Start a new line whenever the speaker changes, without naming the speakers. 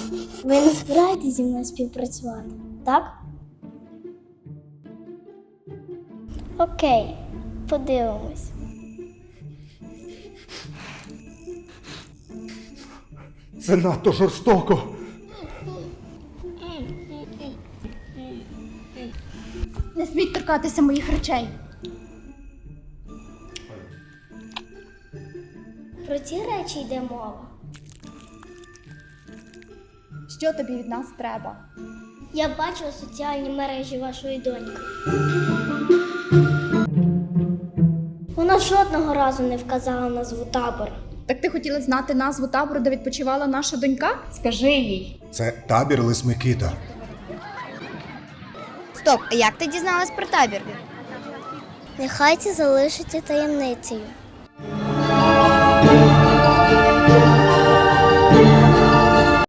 Ви не збираєтесь зі мною співпрацювати, так? Окей, подивимось.
Це надто жорстоко.
Не сміть торкатися моїх речей.
Про ці речі йде мова.
Що тобі від нас треба?
Я бачила соціальні мережі вашої доньки. Вона жодного разу не вказала назву табору.
Так ти хотіла знати назву табору, де відпочивала наша донька? Скажи їй.
Це табір Лис Микита.
Стоп, а як ти дізналась про табір?
Нехай це залишиться таємницею.